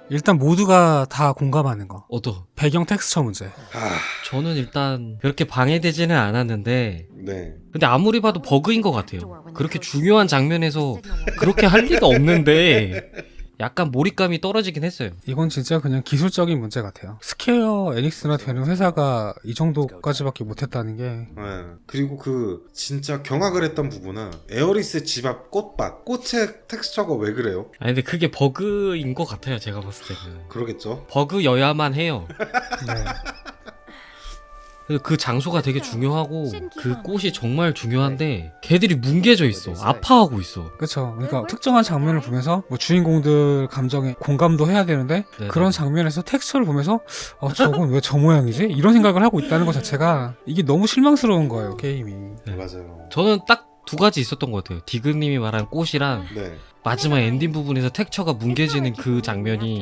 일단 모두가 다 공감하는 거. 어떠? 배경 텍스처 문제. 아, 저는 일단 그렇게 방해되지는 않았는데 네. 근데 아무리 봐도 버그인 것 같아요. 그렇게 중요한 장면에서 그렇게 할 리가 없는데 약간 몰입감이 떨어지긴 했어요. 이건 진짜 그냥 기술적인 문제 같아요. 스퀘어 에닉스나 되는 회사가 이 정도까지밖에 못했다는 게. 네. 그리고 그 진짜 경악을 했던 부분은 에어리스 집 앞 꽃밭 꽃의 텍스처가 왜 그래요? 아니 근데 그게 버그인 것 같아요. 제가 봤을 때는 그러겠죠. 버그여야만 해요. 네. 그 장소가 되게 중요하고 그 꽃이 정말 중요한데 걔들이 뭉개져 있어. 아파하고 있어. 그쵸. 그러니까 특정한 장면을 보면서 뭐 주인공들 감정에 공감도 해야 되는데 네네. 그런 장면에서 텍스처를 보면서 저건 왜 저 모양이지? 이런 생각을 하고 있다는 것 자체가 이게 너무 실망스러운 거예요, 게임이. 네. 맞아요. 저는 딱 두 가지 있었던 것 같아요. 디그님이 말한 꽃이랑 네. 마지막 엔딩 부분에서 텍처가 뭉개지는 그 장면이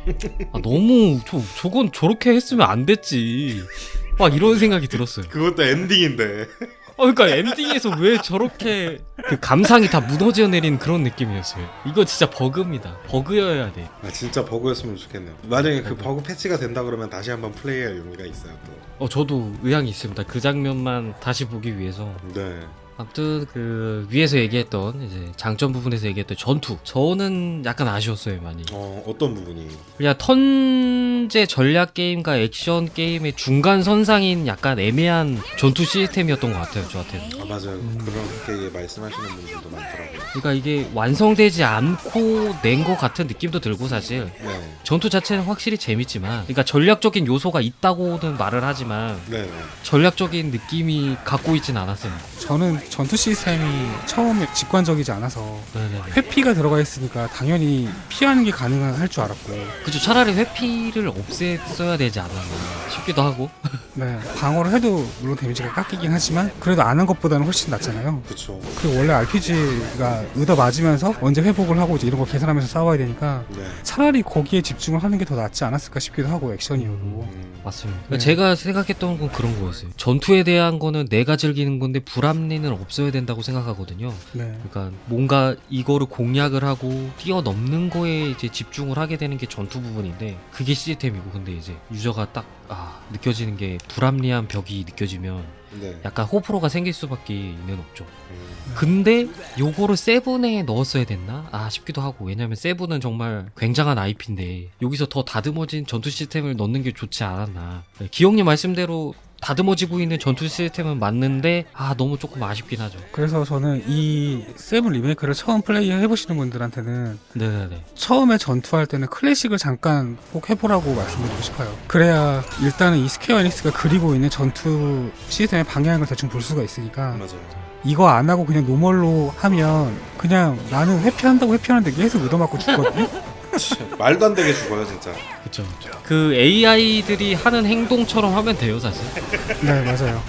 너무 저건 저렇게 했으면 안 됐지. 막 이런 생각이 들었어요. 그것도 엔딩인데. 그러니까 엔딩에서 왜 저렇게 그 감상이 다 무너져 내린 그런 느낌이었어요. 이거 진짜 버그입니다. 버그여야 돼. 아, 진짜 버그였으면 좋겠네요. 만약에 그 버그 패치가 된다 그러면 다시 한번 플레이할 용의가 있어요. 또. 저도 의향이 있습니다. 그 장면만 다시 보기 위해서. 네. 아무튼 그 위에서 얘기했던 이제 장점 부분에서 얘기했던 전투. 저는 약간 아쉬웠어요, 많이. 어떤 부분이? 그냥 턴제 전략 게임과 액션 게임의 중간 선상인 약간 애매한 전투 시스템이었던 것 같아요, 저한테는. 아, 맞아요. 그렇게 말씀하시는 분들도 많더라고요. 그러니까 이게 완성되지 않고 낸 것 같은 느낌도 들고 사실 네. 전투 자체는 확실히 재밌지만, 그러니까 전략적인 요소가 있다고는 말을 하지만 네. 네. 전략적인 느낌이 갖고 있진 않았어요. 저는 전투 시스템이 처음에 직관적이지 않아서 네네네. 회피가 들어가 있으니까 당연히 피하는 게 가능할 줄 알았고, 그죠. 차라리 회피를 없앴어야 되지 않았나 싶기도 하고. 네, 방어를 해도 물론 데미지가 깎이긴 하지만 그래도 안 한 것보다는 훨씬 낫잖아요. 그쵸. 그리고 원래 RPG가 얻어 맞으면서 언제 회복을 하고 이제 이런 거 계산하면서 싸워야 되니까 네. 차라리 거기에 집중을 하는 게 더 낫지 않았을까 싶기도 하고, 액션이고. 맞습니다. 네. 제가 생각했던 건 그런 거였어요. 전투에 대한 거는 내가 즐기는 건데 불합리는 없어야 된다고 생각하거든요. 네. 그러니까 뭔가 이거를 공략을 하고 뛰어넘는 거에 이제 집중을 하게 되는 게 전투 부분인데 그게 시스템이고, 근데 이제 유저가 딱 느껴지는 게 불합리한 벽이 느껴지면 네. 약간 호불호가 생길 수밖에 있는 없죠. 음. 근데 요거를 세븐에 넣었어야 됐나? 싶기도 하고. 왜냐면 세븐은 정말 굉장한 IP인데 여기서 더 다듬어진 전투 시스템을 넣는 게 좋지 않았나. 기영님 말씀대로 다듬어지고 있는 전투 시스템은 맞는데 너무 조금 아쉽긴 하죠. 그래서 저는 이 세븐 리메이크를 처음 플레이 해보시는 분들한테는 네네네. 처음에 전투할 때는 클래식을 잠깐 꼭 해보라고 말씀드리고 싶어요. 그래야 일단은 이 스퀘어 에닉스가 그리고 있는 전투 시스템의 방향을 대충 볼 수가 있으니까, 맞아요. 이거 안 하고 그냥 노멀로 하면 그냥 나는 회피한다고 회피하는데 계속 얻어맞고 죽거든요. 말도 안 되게 죽어요, 진짜. 그쵸. 그 AI들이 하는 행동처럼 하면 돼요, 사실. 네, 맞아요.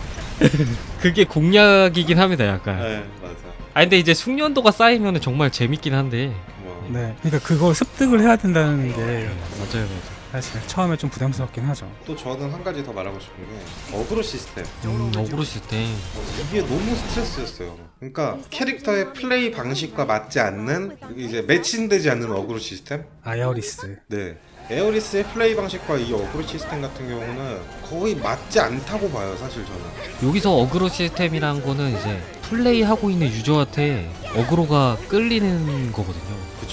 그게 공략이긴 합니다, 약간. 네, 맞아. 근데 이제 숙련도가 쌓이면 정말 재밌긴 한데. 뭐. 네, 그러니까 그걸 습득을 해야 된다는 게 맞아요, 맞아요. 사실 처음에 좀 부담스럽긴 하죠. 또 저는 한 가지 더 말하고 싶은 게 어그로 시스템. 어그로 시스템. 이게 너무 스트레스였어요. 그러니까 캐릭터의 플레이 방식과 맞지 않는, 이제 매칭되지 않는 어그로 시스템. 아야오리스. 네. 에어리스의 플레이 방식과 이 어그로 시스템 같은 경우는 거의 맞지 않다고 봐요, 사실 저는. 여기서 어그로 시스템이란 거는 이제 플레이하고 있는 유저한테 어그로가 끌리는 거거든요. 그쵸.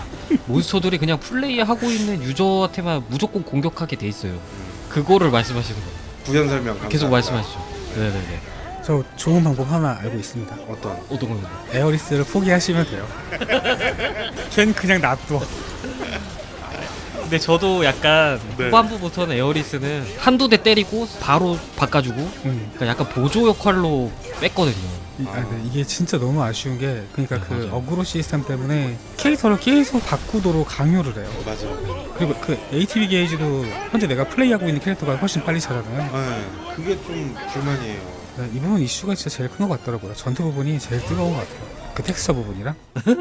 몬스터들이 그냥 플레이하고 있는 유저한테만 무조건 공격하게 돼 있어요. 그거를 말씀하시는 거예요. 구현 설명 감사합니다. 계속 말씀하시죠. 네네네. 저 좋은 방법 하나 알고 있습니다. 어떤 겁니다. 에어리스를 포기하시면 돼요. 걘 그냥 놔둬. 근데 저도 약간 네. 후반부부터는 에어리스는 한두 대 때리고 바로 바꿔주고, 그러니까 약간 보조 역할로 뺐거든요. 네, 이게 진짜 너무 아쉬운 게, 그러니까 네, 그 맞아요. 어그로 시스템 때문에 캐릭터를 계속 바꾸도록 강요를 해요. 맞아요. 그리고 그 ATB 게이지도 현재 내가 플레이하고 있는 캐릭터가 훨씬 빨리 차잖아요. 네, 그게 좀 불만이에요. 네, 이 부분 이슈가 진짜 제일 큰 것 같더라고요. 전투 부분이 제일 뜨거운 것 같아요. 그 텍스처 부분이랑.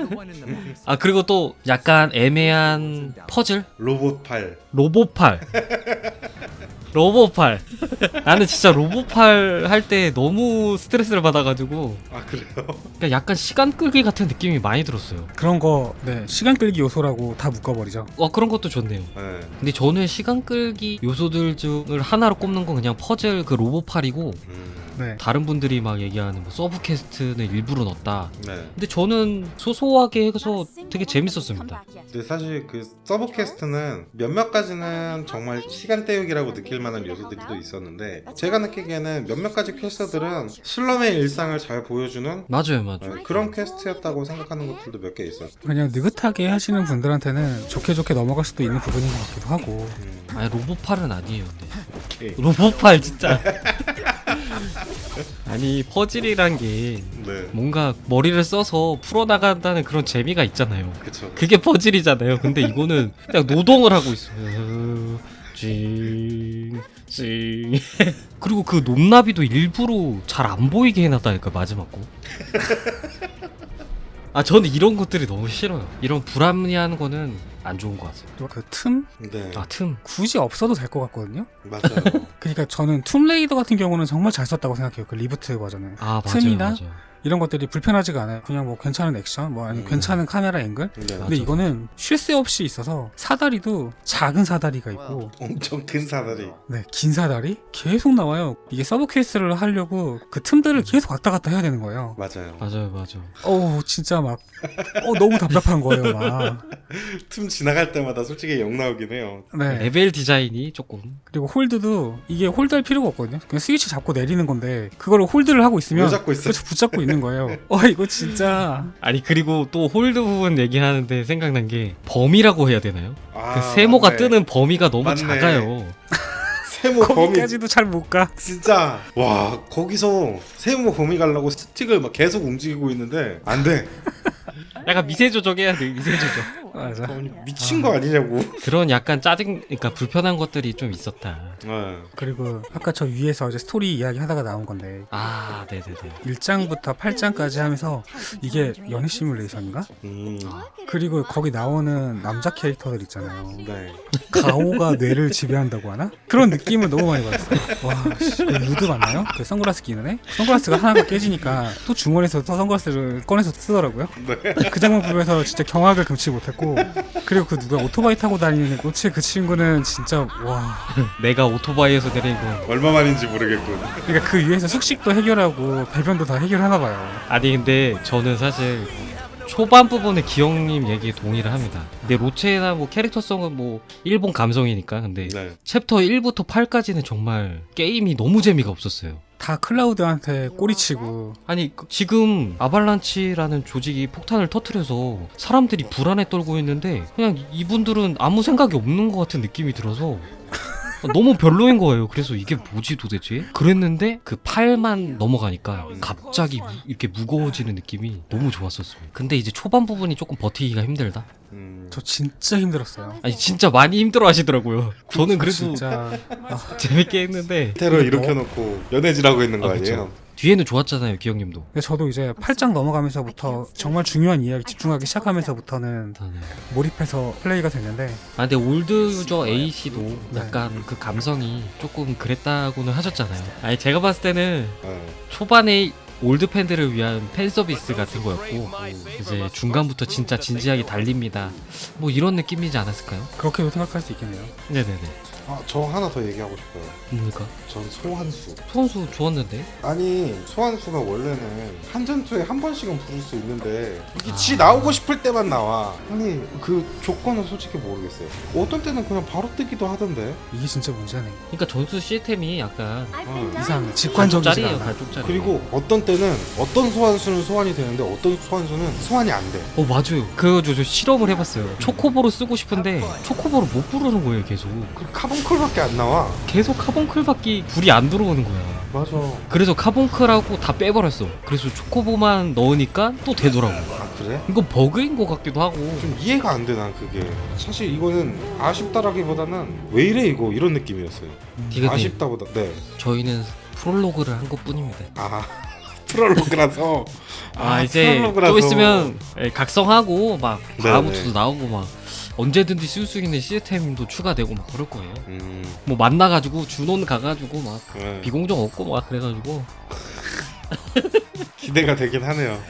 그리고 또 약간 애매한 퍼즐? 로봇 팔. 로봇팔. 로보팔. 나는 진짜 로보팔 할 때 너무 스트레스를 받아가지고 아 그래요? 그러니까 약간 시간 끌기 같은 느낌이 많이 들었어요. 그런 거 네, 시간 끌기 요소라고 다 묶어버리죠. 그런 것도 좋네요. 네. 근데 저는 시간 끌기 요소들 중을 하나로 꼽는 건 그냥 퍼즐 그 로보팔이고 네. 다른 분들이 막 얘기하는 뭐 서브 퀘스트는 일부러 넣었다. 네. 근데 저는 소소하게 해서 되게 재밌었습니다. 근데 사실 그 서브 퀘스트는 몇몇 가지는 정말 시간 때우기라고 느낄 만한 요소들이 또 있었는데 제가 느끼기에는 몇몇 가지 퀘스트들은 슬럼의 일상을 잘 보여주는 맞아요. 그런 퀘스트였다고 생각하는 것들도 몇 개 있어요. 그냥 느긋하게 하시는 분들한테는 좋게 넘어갈 수도 있는 부분인 것 같기도 하고. 아니 로보팔은 아니에요. 오케이. 근데. 로보팔 진짜. 아니 퍼즐이란 게 네. 뭔가 머리를 써서 풀어나간다는 그런 재미가 있잖아요. 그쵸. 그게 퍼즐이잖아요. 근데 이거는 그냥 노동을 하고 있어요. 징. 그리고 그 높나비도 일부러 잘 안 보이게 해놨다니까 마지막 거. 저는 이런 것들이 너무 싫어요. 이런 불합리한 거는 안 좋은 것 같아요. 또 그 틈 네. 틈. 굳이 없어도 될 것 같거든요. 맞아요. 그러니까 저는 툼레이더 같은 경우는 정말 잘 썼다고 생각해요. 그 리부트 버전은. 맞아요. 틈이나 맞아요. 이런 것들이 불편하지가 않아요. 그냥 뭐 괜찮은 액션, 뭐 아니면 괜찮은 카메라 앵글. 네. 근데 맞아. 이거는 쉴 새 없이 있어서 사다리도 작은 사다리가 있고, 엄청 큰 사다리. 네, 긴 사다리 계속 나와요. 이게 서브 퀘스트를 하려고 그 틈들을 계속 왔다 갔다 해야 되는 거예요. 맞아요. 어우 진짜 막 너무 답답한 거예요. 막. 틈 지나갈 때마다 솔직히 욕 나오긴 해요. 네. 레벨 디자인이 조금. 그리고 홀드도 이게 홀드할 필요가 없거든요. 그냥 스위치 잡고 내리는 건데 그걸 홀드를 하고 있으면 왜 잡고 있어? 그렇죠, 붙잡고 있는 거예요. 이거 진짜 아니 그리고 또 홀드 부분 얘기하는데 생각난 게 범위라고 해야 되나요? 그 세모가 맞네. 뜨는 범위가 너무 맞네. 작아요. 세모 범위 거기까지도 잘 못 가. 진짜 와 거기서 세모 범위 가려고 스틱을 막 계속 움직이고 있는데 안 돼. 약간 미세 조정해야 돼. 미세 조정. 맞아. 미친 거 아니냐고. 그런 약간 그러니까 불편한 것들이 좀 있었다. 네. 그리고 아까 저 위에서 이제 스토리 이야기 하다가 나온 건데 네네네. 1장부터 8장까지 하면서 이게 연애 시뮬레이션인가? 음. 그리고 거기 나오는 남자 캐릭터들 있잖아요. 네. 가오가 뇌를 지배한다고 하나? 그런 느낌을 너무 많이 받았어요. 와, 씨, 그 루드 맞나요? 그 선글라스 끼는 애? 선글라스가 하나가 깨지니까 또 주머니에서 또 선글라스를 꺼내서 쓰더라고요. 네. 그 장면 보면서 진짜 경악을 금치 못했고, 그리고 그 누가 오토바이 타고 다니는 꽃의 그 친구는 진짜 와. 내가 오토바이에서 내린 건 얼마만인지 모르겠군. 그러니까 그 위에서 숙식도 해결하고 배변도 다 해결하나 봐요. 아니 근데 저는 사실 초반 부분에 기영님 얘기에 동의를 합니다. 근데 로체나 뭐 캐릭터성은 뭐 일본 감성이니까. 근데 네. 챕터 1부터 8까지는 정말 게임이 너무 재미가 없었어요. 다 클라우드한테 꼬리치고. 아니 지금 아발란치라는 조직이 폭탄을 터뜨려서 사람들이 불안에 떨고 있는데 그냥 이분들은 아무 생각이 없는 것 같은 느낌이 들어서 너무 별로인 거예요. 그래서 이게 뭐지 도대체? 그랬는데 그 팔만 넘어가니까 갑자기 이렇게 무거워지는 느낌이 너무 좋았었어요. 근데 이제 초반 부분이 조금 버티기가 힘들다. 저 진짜 힘들었어요. 아니 진짜 많이 힘들어 하시더라고요. 저는 그래도 진짜 재밌게 했는데 테러 일으켜 놓고 연애질하고 있는 거 그쵸. 아니에요? 뒤에는 좋았잖아요, 기영님도. 근데 저도 이제 8장 넘어가면서부터 정말 중요한 이야기 집중하기 시작하면서부터는 몰입해서 플레이가 됐는데, 근데 올드 유저 A씨도 약간 그 감성이 조금 그랬다고는 하셨잖아요. 아니 제가 봤을 때는 네. 초반에 올드 팬들을 위한 팬 서비스 같은 거였고 이제 중간부터 진짜 진지하게 달립니다. 뭐 이런 느낌이지 않았을까요? 그렇게도 생각할 수 있겠네요. 네네네. 저 하나 더 얘기하고 싶어요. 뭡니까? 전 소환수. 소환수 좋았는데? 아니 소환수가 원래는 한 전투에 한 번씩은 부를 수 있는데 이게 지 나오고 싶을 때만 나와. 아니 그 조건은 솔직히 모르겠어요. 어떤 때는 그냥 바로 뜨기도 하던데. 이게 진짜 문제네. 그러니까 전투 시스템이 약간 이상 직관적이지 갈쪽짜리예요, 않아. 갈쪽짜리. 그리고 어떤 때는 어떤 소환수는 소환이 되는데 어떤 소환수는 소환이 안 돼. 맞아요. 그거 저 실험을 해봤어요. 초코보로 쓰고 싶은데 초코보로 못 부르는 거예요, 계속. 그 카본콜밖에 안 나와. 계속 카본클밖에 불이 안 들어오는 거야. 맞아. 그래서 카본클하고 다 빼버렸어. 그래서 초코보만 넣으니까 또 되더라고. 아 그래? 이거 버그인 것 같기도 하고. 좀 이해가 안 돼 난 그게. 사실 이거는 아쉽다라기보다는 왜 이래 이거 이런 느낌이었어요. 디귿님, 아쉽다보다 네. 저희는 프롤로그를 한 것뿐입니다. 아 프롤로그라서. 이제 프롤로그라서. 또 있으면 각성하고 막 네네. 아무것도 나오고 막 언제든지 쓸 수 있는 시스템도 추가되고 막 그럴 거예요. 음. 뭐 만나가지고 준원 가가지고 막 네. 비공정 얻고 막 그래가지고 기대가 되긴 하네요.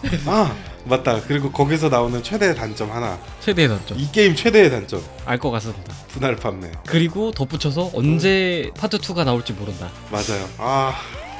아 맞다. 그리고 거기서 나오는 최대의 단점 하나. 최대의 단점 이 게임 최대의 단점. 알 것 같습니다. 분할 판매. 그리고 덧붙여서 언제 파트 2가 나올지 모른다. 맞아요. 아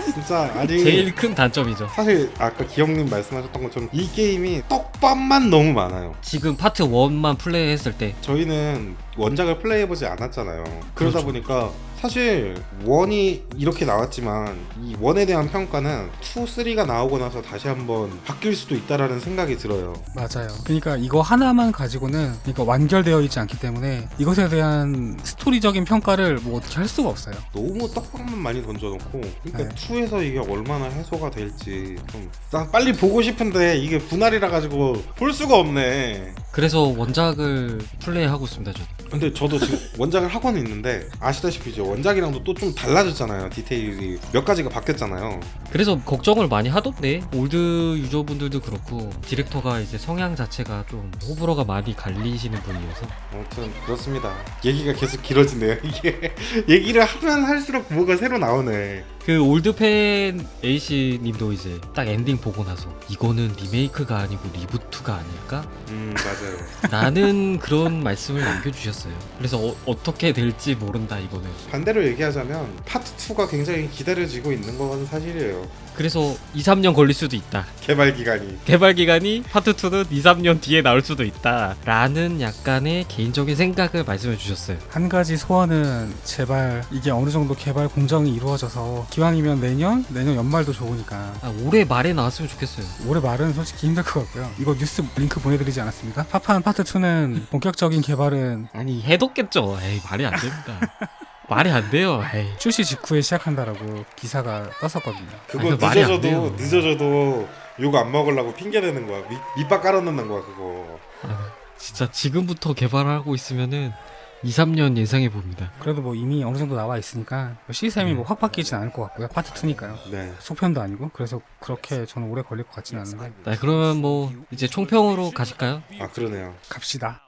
진짜 아니 제일 큰 단점이죠. 사실 아까 기영님 말씀하셨던 것처럼 이 게임이 떡밥만 너무 많아요. 지금 파트 1만 플레이했을 때 저희는 원작을 플레이해보지 않았잖아요. 그러다 그렇죠. 보니까 사실 원이 이렇게 나왔지만 이 원에 대한 평가는 2, 3가 나오고 나서 다시 한번 바뀔 수도 있다라는 생각이 들어요. 맞아요. 그러니까 이거 하나만 가지고는 그러니까 완결되어 있지 않기 때문에 이것에 대한 스토리적인 평가를 뭐 어떻게 할 수가 없어요. 너무 떡밥만 많이 던져놓고 그러니까 네. 2에서 이게 얼마나 해소가 될지 좀 난 빨리 보고 싶은데 이게 분할이라 가지고 볼 수가 없네. 그래서 원작을 플레이하고 있습니다. 저는. 근데 저도 지금 원작을 하고는 있는데 아시다시피 이제 원작이랑도 또 좀 달라졌잖아요. 디테일이 몇 가지가 바뀌었잖아요. 그래서 걱정을 많이 하던데 올드 유저분들도 그렇고 디렉터가 이제 성향 자체가 좀 호불호가 많이 갈리시는 분이어서 아무튼 그렇습니다. 얘기가 계속 길어지네요. 이게 얘기를 하면 할수록 뭐가 새로 나오네. 그 올드팬 A씨님도 이제 딱 엔딩 보고 나서 이거는 리메이크가 아니고 리부트가 아닐까? 맞아요. 라는 그런 말씀을 남겨주셨어요. 그래서 어떻게 될지 모른다 이거는. 반대로 얘기하자면 파트 2가 굉장히 기다려지고 있는 건 사실이에요. 그래서 2, 3년 걸릴 수도 있다. 개발 기간이. 개발 기간이 파트 2는 2, 3년 뒤에 나올 수도 있다. 라는 약간의 개인적인 생각을 말씀해 주셨어요. 한 가지 소원은 제발 이게 어느 정도 개발 공정이 이루어져서 기왕이면 내년 연말도 좋으니까 아, 올해 말에 나왔으면 좋겠어요. 올해 말은 솔직히 힘들 것 같고요. 이거 뉴스 링크 보내드리지 않았습니까? 파판 파트 2는 본격적인 개발은 아니 해뒀겠죠. 에이 말이 안 됩니다. 말이 안 돼요. 에이. 출시 직후에 시작한다라고 기사가 떴었거든요. 그거 말이 안 돼요. 늦어져도 욕 안 먹으려고 핑계 대는 거야. 밑밥 깔아놓는 거야 그거. 아, 진짜 지금부터 개발하고 있으면은 2, 3년 예상해 봅니다. 그래도 뭐 이미 어느 정도 나와 있으니까 시스템이 뭐 확 바뀌진 않을 것 같고요. 파트 2니까요. 네. 속편도 아니고 그래서 그렇게 저는 오래 걸릴 것 같지는 않은데 네, 그러면 뭐 이제 총평으로 가실까요? 아 그러네요. 갑시다.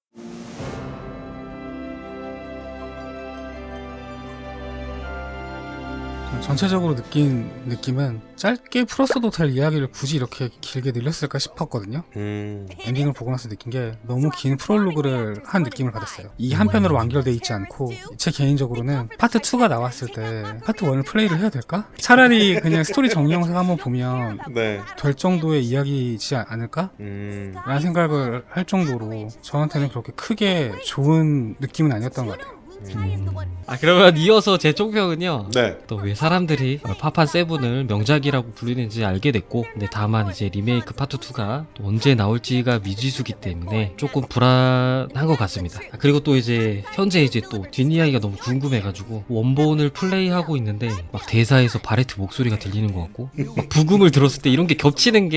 전체적으로 느낀 느낌은 짧게 풀었어도 될 이야기를 굳이 이렇게 길게 늘렸을까 싶었거든요. 엔딩을 보고 나서 느낀 게 너무 긴 프롤로그를 한 느낌을 받았어요. 이 한 편으로 완결돼 있지 않고 제 개인적으로는 파트 2가 나왔을 때 파트 1을 플레이를 해야 될까? 차라리 그냥 스토리 정리 영상 한번 보면 네. 될 정도의 이야기이지 않을까? 라는 생각을 할 정도로 저한테는 그렇게 크게 좋은 느낌은 아니었던 것 같아요. 아 그러면 이어서 제 총평은요. 네. 또 왜 사람들이 파판 세븐을 명작이라고 부르는지 알게 됐고, 근데 다만 이제 리메이크 파트 2가 또 언제 나올지가 미지수기 때문에 조금 불안한 것 같습니다. 아, 그리고 또 이제 현재 이제 또 뒷이야기가 너무 궁금해가지고 원본을 플레이하고 있는데 막 대사에서 바레트 목소리가 들리는 것 같고 막 부금을 들었을 때 이런 게 겹치는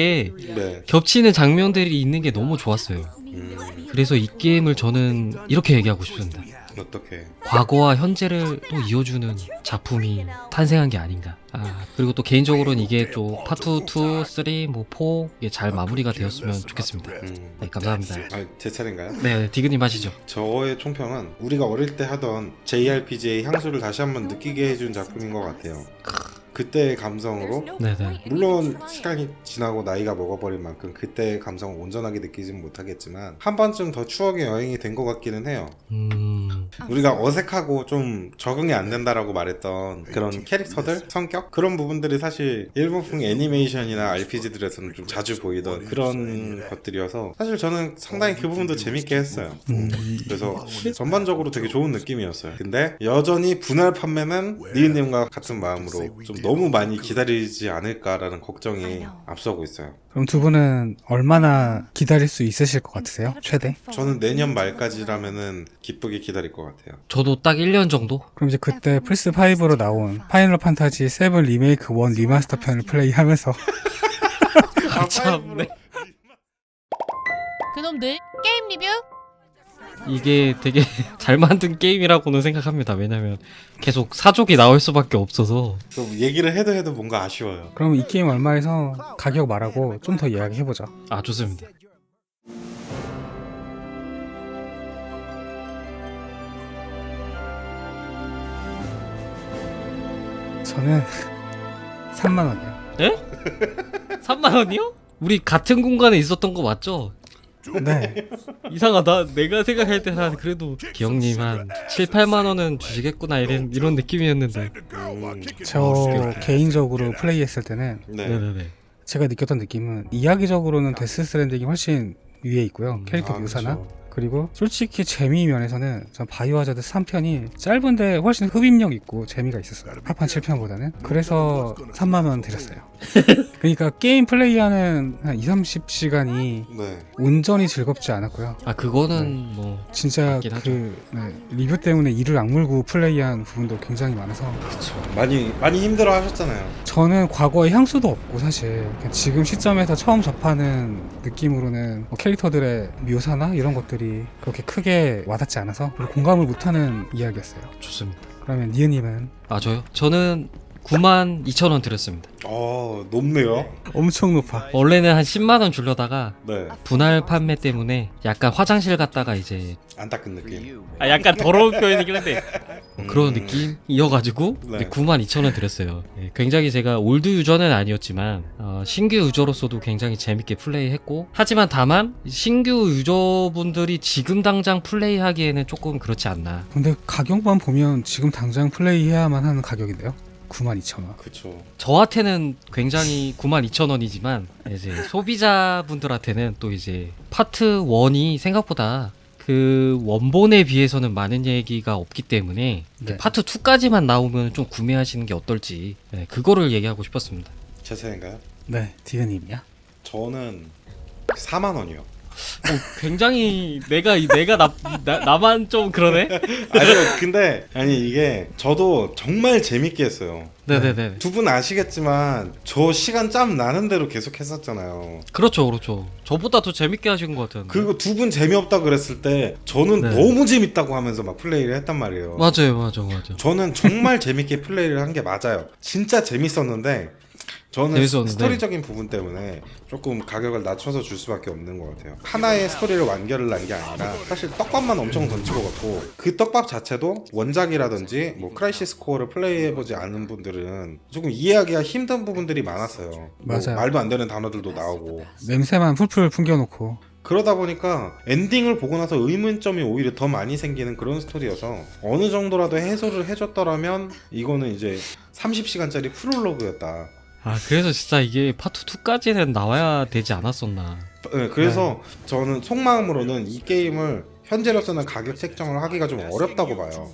장면들이 있는 게 너무 좋았어요. 그래서 이 게임을 저는 이렇게 얘기하고 싶습니다. 어떻게? 과거와 현재를 또 이어주는 작품이 탄생한 게 아닌가. 아, 그리고 또 개인적으로는 이게 또 파트 2, 3, 뭐 4, 이게 잘 마무리가 되었으면 좋겠습니다. 네, 감사합니다. 아, 제 차례인가요? 네, 디그님 하시죠. 저의 총평은 우리가 어릴 때 하던 JRPG의 향수를 다시 한번 느끼게 해준 작품인 것 같아요. 그때의 감성으로 네네. 물론 시간이 지나고 나이가 먹어버린 만큼 그때의 감성을 온전하게 느끼진 못하겠지만 한 번쯤 더 추억의 여행이 된 것 같기는 해요. 우리가 어색하고 좀 적응이 안 된다라고 말했던 그런 캐릭터들, 성격 그런 부분들이 사실 일본풍 애니메이션이나 RPG들에서는 좀 자주 보이던 그런 것들이어서 사실 저는 상당히 그 부분도 재밌게 했어요. 그래서 전반적으로 되게 좋은 느낌이었어요. 근데 여전히 분할 판매는 니은님과 같은 마음으로 좀 너무 많이 기다리지 않을까라는 걱정이 앞서고 있어요. 그럼 두 분은 얼마나 기다릴 수 있으실 것 같으세요? 최대? 저는 내년 말까지라면은 기쁘게 기다릴 것 같아요. 저도 딱 1년 정도? 그럼 이제 그때 플스5로 나온 파이널 판타지 7 리메이크 1 리마스터 편을 플레이하면서 참네. 그놈들 게임 리뷰 이게 되게 잘 만든 게임이라고는 생각합니다. 왜냐면 계속 사족이 나올 수밖에 없어서. 또 얘기를 해도 뭔가 아쉬워요. 그럼 이 게임 얼마에서 가격 말하고 좀 더 이야기해보자. 아 좋습니다. 저는 3만 원이요. 에? 3만 원이요? 우리 같은 공간에 있었던 거 맞죠? 네. 이상하다. 내가 생각할 때는 한 그래도 기영님 한 7, 8만 원은 주시겠구나 이런 느낌이었는데. 저 개인적으로 플레이했을 때는 네. 네네네. 제가 느꼈던 느낌은 이야기적으로는 데스 스트랜딩이 훨씬 위에 있고요. 캐릭터 묘사나. 그쵸. 그리고 솔직히 재미 면에서는 전 바이오하자드 3편이 짧은데 훨씬 흡입력 있고 재미가 있었어요. 파판 7편보다는. 그래서 3만 원 드렸어요. 그러니까 게임 플레이하는 한 2, 30시간이 네. 온전히 즐겁지 않았고요. 아 그거는 뭐 진짜 맞긴 하죠. 리뷰 때문에 이를 악물고 플레이한 부분도 굉장히 많아서 많이 힘들어 하셨잖아요. 저는 과거에 향수도 없고 사실 그냥 지금 시점에서 처음 접하는 느낌으로는 뭐 캐릭터들의 묘사나 이런 것들이 그렇게 크게 와닿지 않아서 별로 공감을 못하는 이야기였어요. 좋습니다. 그러면 니은님은? 아 저요? 저는 92,000원 드렸습니다. 높네요. 엄청 높아. 원래는 한 10만 원 주려다가 네. 분할 판매 때문에 약간 화장실 갔다가 이제 안 닦은 느낌. 약간 더러운 표현이긴 한데 뭐 그런 느낌이어가지고 네. 92,000원 드렸어요. 예, 굉장히 제가 올드 유저는 아니었지만 신규 유저로서도 굉장히 재밌게 플레이했고 하지만 다만 신규 유저분들이 지금 당장 플레이하기에는 조금 그렇지 않나. 근데 가격만 보면 지금 당장 플레이해야만 하는 가격인데요. 92,000원. 그쵸. 저한테는 굉장히 92,000원이지만 이제 소비자분들한테는 또 이제 파트 1이 생각보다 그 원본에 비해서는 많은 얘기가 없기 때문에 네. 파트 2까지만 나오면 좀 구매하시는 게 어떨지 그거를 얘기하고 싶었습니다. 제 차인가요? 네, 디은님이야. 저는 4만 원이요. 굉장히 나만 좀 그러네. 아니 이게 저도 정말 재밌게 했어요. 네네네. 두 분 아시겠지만 저 시간 짬 나는 대로 계속 했었잖아요. 그렇죠. 저보다 더 재밌게 하신 것 같은데. 그리고 두 분 재미없다 그랬을 때 저는 네. 너무 재밌다고 하면서 막 플레이를 했단 말이에요. 맞아요. 저는 정말 재밌게 플레이를 한 게 맞아요. 진짜 재밌었는데 저는 재밌었는데. 스토리적인 부분 때문에 조금 가격을 낮춰서 줄 수밖에 없는 것 같아요. 하나의 스토리를 완결을 난 게 아니라 사실 떡밥만 엄청 던지고 갔고 그 떡밥 자체도 원작이라든지 뭐 크라이시스 코어를 플레이해보지 않은 분들은 조금 이해하기가 힘든 부분들이 많았어요. 뭐 맞아요. 말도 안 되는 단어들도 나오고 냄새만 풀풀 풍겨놓고. 그러다 보니까 엔딩을 보고 나서 의문점이 오히려 더 많이 생기는 그런 스토리여서 어느 정도라도 해소를 해줬더라면 이거는 이제 30시간짜리 프롤로그였다. 그래서 진짜 이게 파트 2까지는 나와야 되지 않았었나. 네, 그래서 저는 속마음으로는 이 게임을 현재로서는 가격 책정을 하기가 좀 어렵다고 봐요.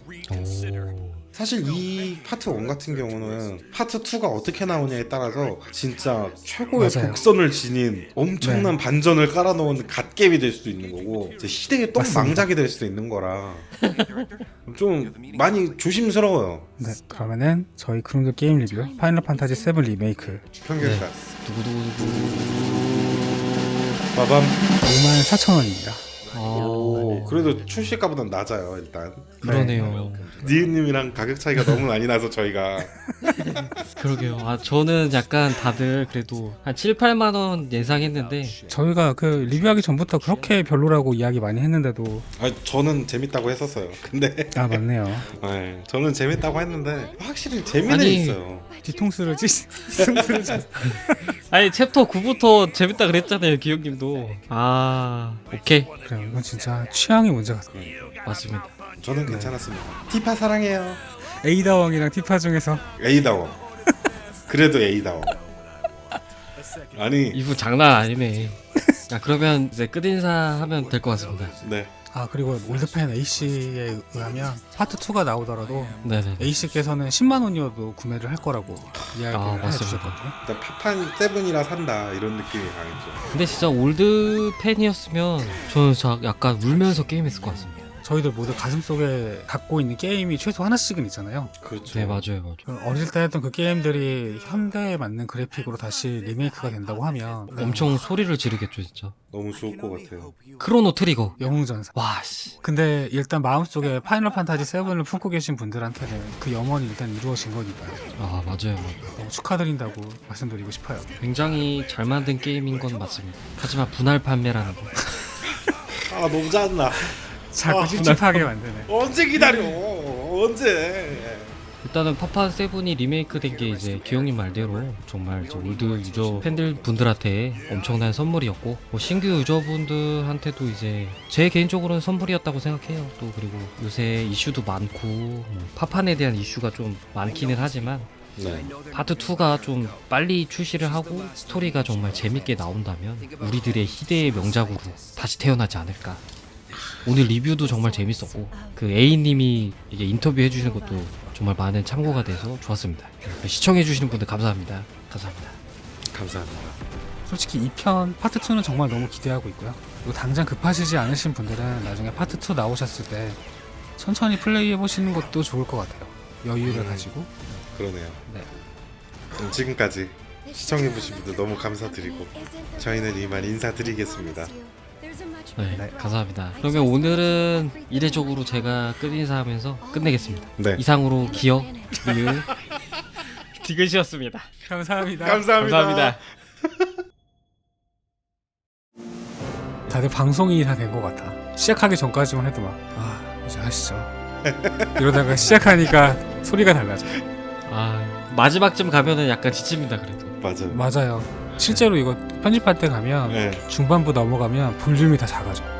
사실 이 파트 1 같은 경우는 파트 2가 어떻게 나오냐에 따라서 진짜 최고의 맞아요. 독선을 지닌 엄청난 반전을 깔아놓은 갓겜이 될 수도 있는 거고 이제 시대의 똥망작이 될 수도 있는 거라 좀 많이 조심스러워요. 네, 그러면은 저희 크롬드 게임 리뷰 파이널 판타지 7 리메이크 평균가 두구두구. 빠밤. 54,000원입니다. 그래도 출시가보단 낮아요 일단. 그러네요. 니은님이랑 가격 차이가 너무 많이 나서 저희가 그러게요. 저는 약간 다들 그래도 한 7, 8만 원 예상했는데 저희가 그 리뷰하기 전부터 그렇게 별로라고 이야기 많이 했는데도 저는 재밌다고 했었어요. 근데 맞네요. 네, 저는 재밌다고 했는데 확실히 재미는 아니, 있어요. 뒤통수를 아니 챕터 9부터 재밌다 그랬잖아요, 기영님도. 오케이. 그래요. 이건 진짜 취향의 문제 같아요. 맞습니다. 저는 괜찮았습니다. 티파 사랑해요. 에이다왕이랑 티파 중에서 A다워. 그래도 A다워. 아니 이분 장난 아니네. 그러면 이제 끝인사 하면 될 것 같습니다. 네. 그리고 올드팬 A씨에 의하면 파트 2가 나오더라도 네네. A씨께서는 10만 원이어도 구매를 할 거라고 이야기를 맞습니다. 해주셨거든요. 일단 파판 7이라 산다 이런 느낌이 강했죠. 근데 진짜 올드 팬이었으면 저는 진짜 약간 울면서 게임했을 것 같습니다. 저희들 모두 가슴속에 갖고 있는 게임이 최소 하나씩은 있잖아요. 그렇죠. 네, 맞아요. 어릴 때 했던 그 게임들이 현대에 맞는 그래픽으로 다시 리메이크가 된다고 하면 엄청 소리를 지르겠죠, 진짜. 너무 좋을 것 같아요. 크로노 트리거. 영웅전사. 와, 씨. 근데 일단 마음속에 파이널 판타지 7을 품고 계신 분들한테는 그 염원이 일단 이루어진 거니까요. 맞아요. 너무 축하드린다고 말씀드리고 싶어요. 굉장히 잘 만든 게임인 건 맞습니다. 하지만 분할 판매라는 거. 너무 짜증나. 자꾸 찝찝하게 만드네. 언제 기다려? 언제? 일단은 파판 세븐이 리메이크 된 게 이제 기영님 말대로 정말 이제 올드 유저 팬들 분들한테 엄청난 선물이었고 뭐 신규 유저분들한테도 이제 제 개인적으로는 선물이었다고 생각해요. 또 그리고 요새 이슈도 많고 뭐 파판에 대한 이슈가 좀 많기는 하지만 네. 파트 2가 좀 빨리 출시를 하고 스토리가 정말 재밌게 나온다면 우리들의 희대의 명작으로 다시 태어나지 않을까. 오늘 리뷰도 정말 재밌었고 그 A님이 이게 인터뷰 해주시는 것도 정말 많은 참고가 돼서 좋았습니다. 시청해주시는 분들 감사합니다. 감사합니다. 감사합니다. 솔직히 2편 파트 2는 정말 너무 기대하고 있고요. 그리고 당장 급하시지 않으신 분들은 나중에 파트 2 나오셨을 때 천천히 플레이해 보시는 것도 좋을 것 같아요. 여유를 가지고. 그러네요. 네. 지금까지 시청해주신 분들 너무 감사드리고 저희는 이만 인사드리겠습니다. 네, 감사합니다. 그러면 오늘은 이례적으로 제가 끝인사하면서 끝내겠습니다. 네. 이상으로 기억, 리을, 디귿이었습니다. 감사합니다. 감사합니다. 다들 방송이 다 된 것 같아. 시작하기 전까지만 해도 막 이제 하시죠. 이러다가 시작하니까 소리가 달라져. 마지막쯤 가면은 약간 지칩니다. 그래도. 맞아요. 맞아요. 실제로 이거 편집할 때 가면 네. 중반부 넘어가면 볼륨이 다 작아져.